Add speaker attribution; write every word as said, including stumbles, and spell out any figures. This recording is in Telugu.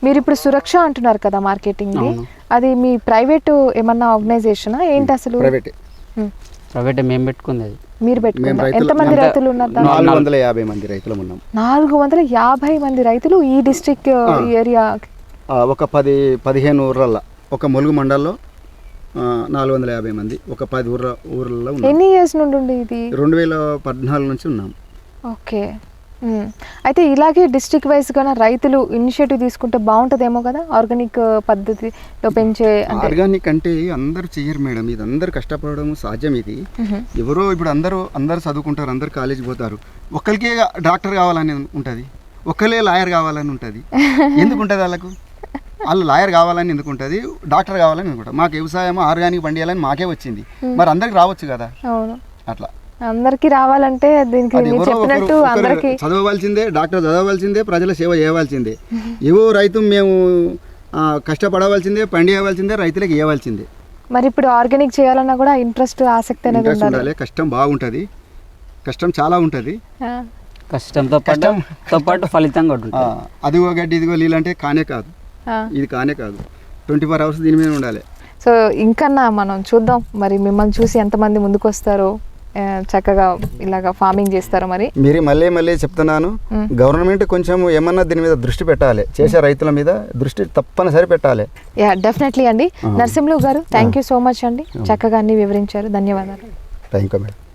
Speaker 1: మీరు ఇప్పుడు సురక్ష అంటున్నారు కదా మార్కెటింగ్, అది మీ ప్రైవేట్ ఏమన్నా ఆర్గనైజేషనా ఏంటి అసలు?
Speaker 2: ప్రైవేట్
Speaker 3: ప్రైవేట్ మేము పెట్టుకుంది అది.
Speaker 1: మీరు పెట్టుకున్నారు. ఎంతమంది రైతులు ఉన్నారు?
Speaker 2: నాలుగు వందల యాభై మంది రైతులు ఉన్నాం.
Speaker 1: నాలుగు వందల యాభై మంది రైతులు ఈ డిస్ట్రిక్ట్ ఏరియా.
Speaker 2: ఒక పది పదిహేను ఊర్లల్లో, ఒక ములుగు మండల్లో నాలుగు వందల యాభై మంది, ఒక పది ఊర్ల ఊర్లలో.
Speaker 1: ఎన్ని ఇయర్స్ నుండి ఉంది ఇది?
Speaker 2: రెండు వేల పద్నాలుగు నుంచి ఉన్నాం.
Speaker 1: ఓకే. అయితే ఇలాగే డిస్ట్రిక్ట్ వైజ్గా రైతులు ఇనిషియేటివ్ తీసుకుంటే బాగుంటుందేమో కదా, ఆర్గానిక్ పద్ధతిలో పెంచే.
Speaker 2: ఆర్గానిక్ అంటే అందరూ చెయ్యరు మేడం, ఇది అందరు కష్టపడడం సాధ్యం. ఇది ఎవరో ఇప్పుడు అందరూ అందరు చదువుకుంటారు, అందరు కాలేజీకి పోతారు, ఒక్కరికే డాక్టర్ కావాలని ఉంటుంది, ఒక్కరే లాయర్ కావాలని ఉంటుంది. ఎందుకు ఉంటుంది వాళ్ళకు? వాళ్ళు లాయర్ కావాలని ఎందుకు ఉంటుంది, డాక్టర్ కావాలని ఎందుకుంటారు. మాకు వ్యవసాయం ఆర్గానిక్ పండియాలని మాకే వచ్చింది, మరి అందరికి రావచ్చు కదా. అట్లా
Speaker 1: అందరికి రావాలంటే దీనికి చెప్పినట్టు అందరికి
Speaker 2: చదవవలసిందే, డాక్టర్ చదవవలసిందే, ప్రజల సేవ చేయవలసిందే. ఏవో రైతు మేము కష్టపడవలసిందే, పండియవలసిందే, రైతులకు ఇవ్వవలసిందే.
Speaker 1: మరి ఇప్పుడు ఆర్గానిక్ చేయాలన్నా కూడా ఇంట్రెస్ట్, ఆసక్తి అనేది ఉండాలి.
Speaker 2: కష్టం బాగుంటుంది, కష్టం చాలా ఉంటుంది.
Speaker 3: కష్టంతో పాటు పాటు ఫలితం కూడా ఉంటుంది.
Speaker 2: అదిగో గడ్డి ఇదిగో నీళ్ళు అంటే కానే కాదు, ఇది కానే కాదు, ట్వంటీ ఫోర్ అవర్స్ దీని మీద ఉండాలి.
Speaker 1: సో ఇంకన్నా మనం చూద్దాం మరి మిమ్మల్ని చూసి ఎంతమంది ముందుకు వస్తారో, చక్కగా ఇలాగా ఫార్మింగ్ చేస్తారో. మరి
Speaker 2: మీరు మళ్ళీ మళ్ళీ చెప్తున్నాను, గవర్నమెంట్ కొంచెం ఏమన్నా దీని మీద దృష్టి పెట్టాలి, చేసే రైతుల మీద దృష్టి తప్పనిసరి పెట్టాలి.
Speaker 1: యా డెఫినెట్లీ అండి. నరసింహులు గారు థ్యాంక్ యూ సో మచ్ అండి, చక్కగా అన్ని వివరించారు. ధన్యవాదాలు.
Speaker 2: Thank you madam.